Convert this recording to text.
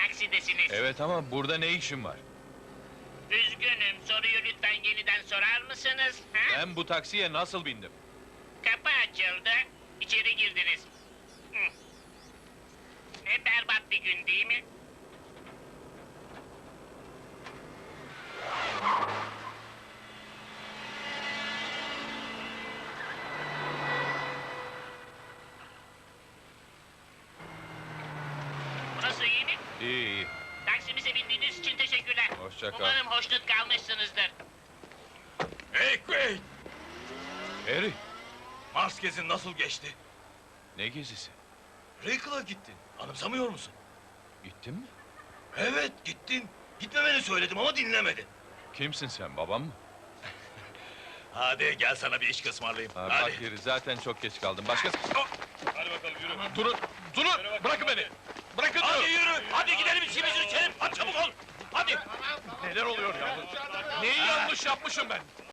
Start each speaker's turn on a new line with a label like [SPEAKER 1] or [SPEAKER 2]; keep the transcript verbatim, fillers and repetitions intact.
[SPEAKER 1] taksidesiniz.
[SPEAKER 2] Evet ama burada ne işin var?
[SPEAKER 1] Üzgünüm, soruyu lütfen yeniden sorar mısınız? Ha?
[SPEAKER 2] Ben bu taksiye nasıl bindim?
[SPEAKER 1] Kapı açıldı, içeri girdiniz. Hı. Ne berbat bir gün değil mi? Burası iyi mi?
[SPEAKER 2] İyi iyi.
[SPEAKER 1] Taksimize bindiğiniz için teşekkürler.
[SPEAKER 2] Hoşça kal.
[SPEAKER 1] Umarım hoşnut kalmışsınızdır.
[SPEAKER 3] Hey Quaid!
[SPEAKER 2] Harry,
[SPEAKER 3] Mars gezin nasıl geçti?
[SPEAKER 2] ne gezisi?
[SPEAKER 3] Rickle'a gittin. Anımsamıyor musun?
[SPEAKER 2] Gittin mi?
[SPEAKER 3] Evet, gittin. Gitmemeni söyledim ama dinlemedin.
[SPEAKER 2] Kimsin sen, babam mı?
[SPEAKER 3] Hadi gel sana bir iş ısmarlayayım.
[SPEAKER 2] Ha,
[SPEAKER 3] Hadi.
[SPEAKER 2] bak Harry, zaten çok geç kaldım. Başka...
[SPEAKER 3] Hadi bakalım yürü.
[SPEAKER 2] Durun, durun! Bırakın beni! Bırakın
[SPEAKER 3] Hadi
[SPEAKER 2] durun!
[SPEAKER 3] yürü. Hadi gidelim işimizi içelim. Hadi çabuk ol. Hadi.
[SPEAKER 2] Neler oluyor ya? Neyi yanlış yapmışım ben?